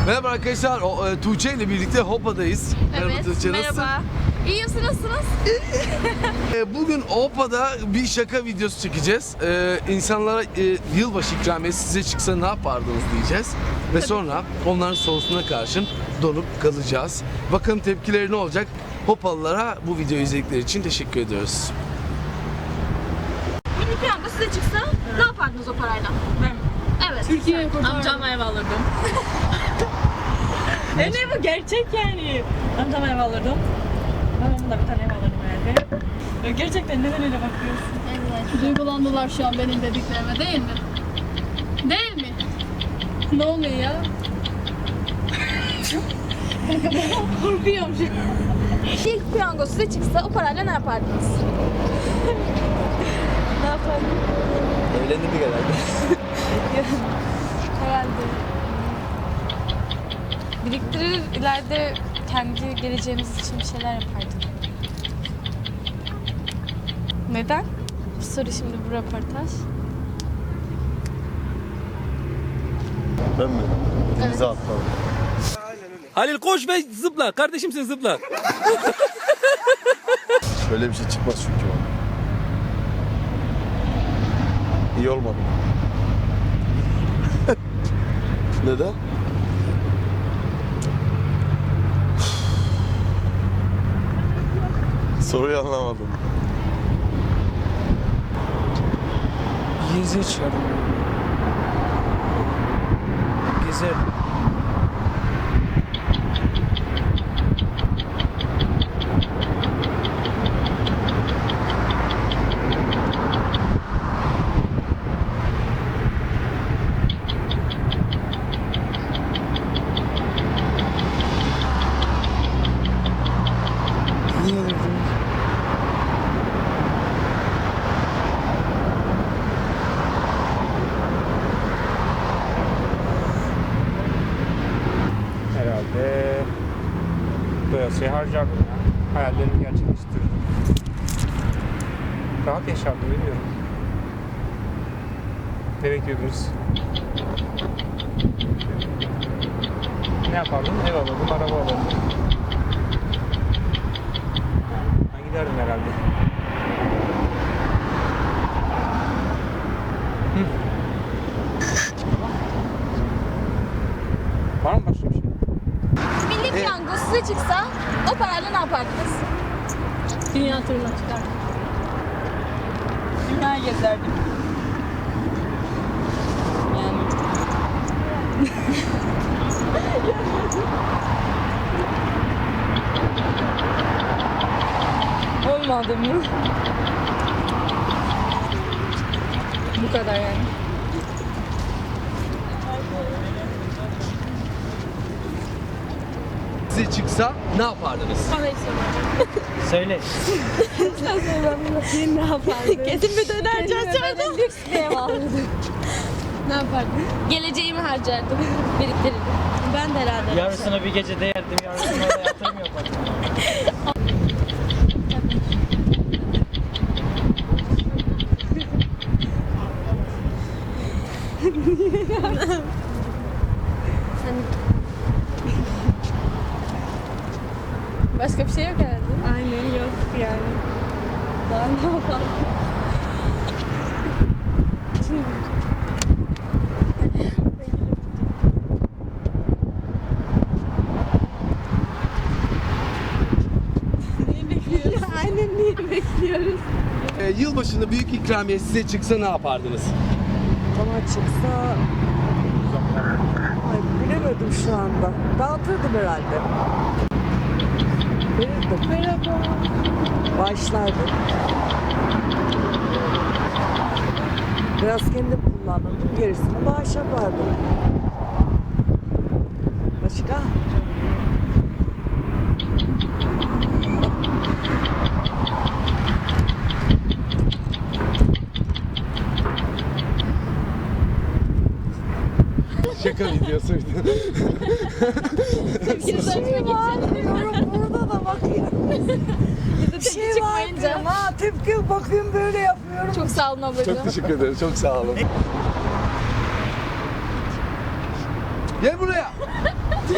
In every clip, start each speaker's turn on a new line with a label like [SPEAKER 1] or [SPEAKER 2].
[SPEAKER 1] Merhaba arkadaşlar, Tuğçe ile birlikte Hopa'dayız. Merhaba
[SPEAKER 2] Evet,
[SPEAKER 1] Tuğçe,
[SPEAKER 2] merhaba.
[SPEAKER 1] nasılsın?
[SPEAKER 2] İyiyim, siz nasılsınız?
[SPEAKER 1] Bugün Hopa'da bir şaka videosu çekeceğiz. İnsanlara yılbaşı ikramiyesi size çıksa ne yapardınız diyeceğiz. Ve sonra onların sorusuna karşın donup kalacağız. Bakalım tepkileri ne olacak? Hopalılara bu videoyu izledikleri için teşekkür ediyoruz.
[SPEAKER 2] Milli piyango size çıksa ne yapardınız o parayla?
[SPEAKER 3] Ben
[SPEAKER 2] Evet.
[SPEAKER 3] Türkiye'ye amcam ev alırdım. Ne bu gerçek yani. Amcam ev alırdım. Babamın da bir tane ev alırdım herhalde. Gerçekten neden öyle bakıyorsun?
[SPEAKER 2] Evet.
[SPEAKER 4] Duygulandılar şu an benim dediklerime, değil mi? Değil mi?
[SPEAKER 3] Ne oluyor ya? Korkuyorum şu an.
[SPEAKER 2] İlk piyango size çıksa o parayla ne yapardınız?
[SPEAKER 3] Ne yapalım?
[SPEAKER 1] Evlendik herhalde.
[SPEAKER 5] Herhalde biriktirir, ileride kendi geleceğimiz için bir şeyler yapardık. Neden? Bu soru şimdi, bu röportaj.
[SPEAKER 6] Ben mi? Denize atladım.
[SPEAKER 7] Halil koş ve zıpla. Kardeşim sen zıpla.
[SPEAKER 6] Öyle bir şey çıkmaz çünkü bana. İyi olmadı. Neden? Soruyu anlamadım.
[SPEAKER 8] Geziye çıkardım. Gezer. Niye öyle diyorsun? Herhalde doyasıya harcardım ya. Hayallerimi gerçekleştirdim. Rahat yaşardım, bilmiyorum. Ne bekliyordunuz? Ne yapardım? Ev alırdım, araba alırdım. Ben giderdim herhalde. Var mı başka bir şey?
[SPEAKER 2] Milli piyango size çıksa o parayla ne yapardınız?
[SPEAKER 3] Dünya turuna çıkardım. Dünya gezerdim. Yani. Olmadı mı? Bu kadar yani.
[SPEAKER 1] Size çıksa ne yapardınız?
[SPEAKER 8] Söyle.
[SPEAKER 2] Kesin bir dönerci açardım. Lüks bir ev alırdım.
[SPEAKER 4] Ne yapardın?
[SPEAKER 2] Geleceğimi harcardım. Biriktirirdim. Ben de herhalde.
[SPEAKER 8] Yarısını bir gecede yerdim, yarısını oraya yatırım yapardım.
[SPEAKER 5] Başka bir şey yok herhalde.
[SPEAKER 3] Aynen yok yani. Daha ne yapalım? Aynen niye bekliyoruz?
[SPEAKER 1] Yılbaşında büyük ikramiye size çıksa ne yapardınız?
[SPEAKER 9] Bana çıksa... Ay, bilemedim şu anda. Dağıtırdım herhalde. Verirdim. Merhaba. Başlardım. Biraz kendim kullanırdım. Gerisini bağış yapardım. Başka?
[SPEAKER 1] Şaka videosuydu.
[SPEAKER 9] Burada da bakıyorum. Bir şey var
[SPEAKER 2] çıkmayınca.
[SPEAKER 9] diyorum. Ha, tepki bakıyorum böyle yapıyorum.
[SPEAKER 2] Çok sağ olun ablacığım.
[SPEAKER 1] Çok teşekkür ederim. Çok sağ olun. Gel buraya.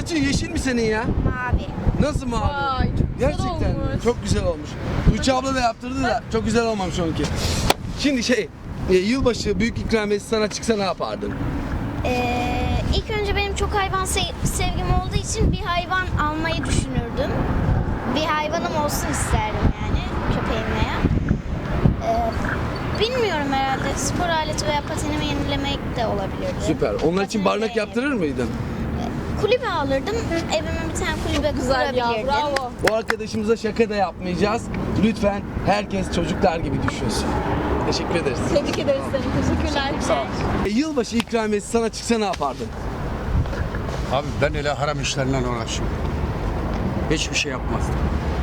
[SPEAKER 1] Saçın yeşil mi senin ya?
[SPEAKER 2] Mavi.
[SPEAKER 1] Nasıl mavi?
[SPEAKER 3] Vay, çok güzel
[SPEAKER 1] Gerçekten mi?
[SPEAKER 3] olmuş.
[SPEAKER 1] Çok güzel olmuş. Tuğçe abla da yaptırdı da çok güzel olmamış onunki. Şimdi yılbaşı büyük ikramiyesi sana çıksa ne yapardın?
[SPEAKER 2] İlk önce benim çok hayvan sevgim olduğu için bir hayvan almayı düşünürdüm. Bir hayvanım olsun isterdim yani köpeğim veya. Bilmiyorum herhalde spor aleti veya patenimi yenilemek de olabilirdi.
[SPEAKER 1] Süper. Onlar için
[SPEAKER 2] Patenimi
[SPEAKER 1] barınak
[SPEAKER 2] de
[SPEAKER 1] yaptırır mıydın?
[SPEAKER 2] Kulübe alırdım. Evime bir tane kulübe
[SPEAKER 3] Güzel ya,
[SPEAKER 2] kurabilirdim.
[SPEAKER 3] bravo.
[SPEAKER 1] Bu arkadaşımıza şaka da yapmayacağız. Lütfen herkes çocuklar gibi düşünsün. Teşekkür ederiz.
[SPEAKER 3] Tebrik ederiz seni. Teşekkürler.
[SPEAKER 1] Yılbaşı ikramiyesi sana çıksa ne yapardın?
[SPEAKER 10] Abi ben öyle haram işlerle uğraşıyorum. Hiçbir şey yapmazdım.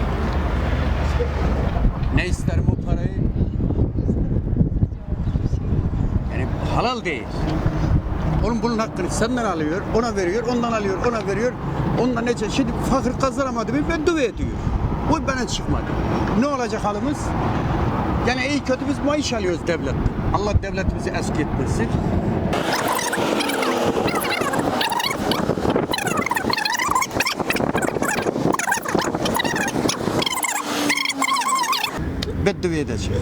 [SPEAKER 10] Ne isterim o parayı? Yani halal değil. Onun bunun hakkını senden alıyor, ona veriyor, ondan alıyor, ona veriyor. Ondan ne? Şimdi fakir kazanamadı mı ben dua ediyor. Bu bana çıkmadı. Ne olacak halimiz? Yani iyi kötü biz maaş alıyoruz devletten. Allah devletimizi eski etmesin. Beddua edeceğim.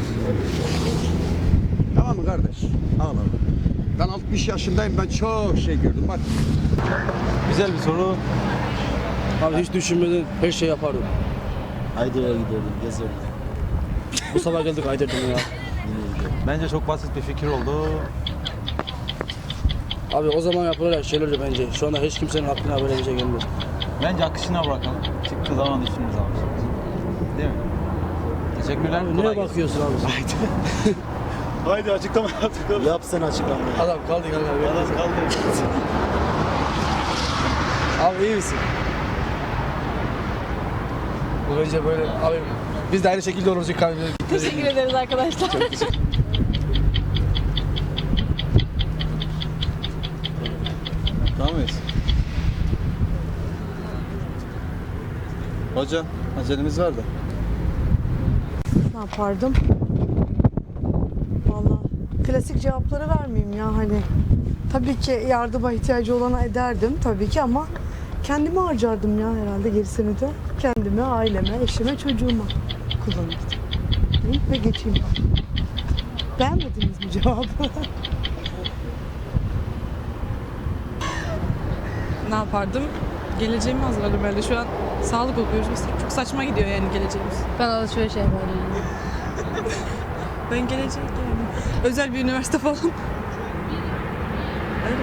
[SPEAKER 10] Tamam mı kardeş? Ağlama. Ben 60 yaşındayım, ben çok şey gördüm. Bak.
[SPEAKER 7] Güzel bir soru. Abi hiç düşünmeden her şey yapardım.
[SPEAKER 6] Aydır'a giderdim, gezerdim.
[SPEAKER 7] Bu sabah geldik Aydır'dan ya.
[SPEAKER 8] Bence çok basit bir fikir oldu.
[SPEAKER 7] Abi o zaman yapılacak şeylerdi bence. Şu anda hiç kimsenin aklına böyle bir şey gelmiyor.
[SPEAKER 8] Bence akışına bırakalım. Çıktığı zaman işimiz almış. Değil mi? Teşekkürler.
[SPEAKER 7] Abi
[SPEAKER 8] kolay
[SPEAKER 7] neye
[SPEAKER 8] gelsin.
[SPEAKER 7] bakıyorsun abi?
[SPEAKER 6] Haydi açıklama yaptık. Yap sen açıklamayı.
[SPEAKER 7] Adam kaldı kanka.
[SPEAKER 6] Adam kaldı.
[SPEAKER 7] Abi iyi misin? Bu bence böyle abi biz de aynı şekilde oluruz ikramiyet.
[SPEAKER 3] Teşekkür ederiz arkadaşlar.
[SPEAKER 6] Tamam mıyız? Hocam, acelemiz var da.
[SPEAKER 9] Ne yapardım? Vallahi klasik cevapları vermeyeyim ya hani. Tabii ki yardıma ihtiyacı olana ederdim tabii ki ama kendime harcardım ya herhalde gerisini de. Kendime, aileme, eşime, çocuğuma kullanırdım. Hı? Ve geçeyim. Beğenmediniz mi cevabı?
[SPEAKER 11] Ne yapardım? Geleceğimi hazırladım herhalde. Şu an sağlık okuyoruz. Çok saçma gidiyor yani geleceğimiz.
[SPEAKER 5] Ben alışveriş yapardım.
[SPEAKER 11] Ben gelecek yani. Özel bir üniversite falan. Öyle.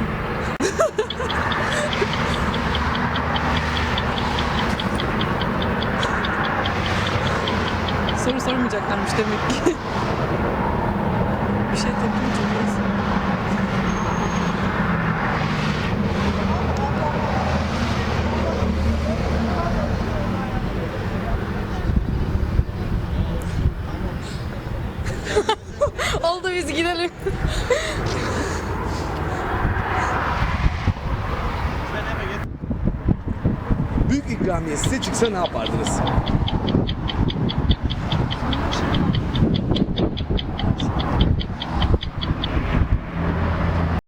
[SPEAKER 11] Soru sormayacaklarmış demek ki. Bir şey tepki çekiyoruz.
[SPEAKER 5] Oldu biz gidelim.
[SPEAKER 1] Büyük ikramiye size çıksa ne yapardınız?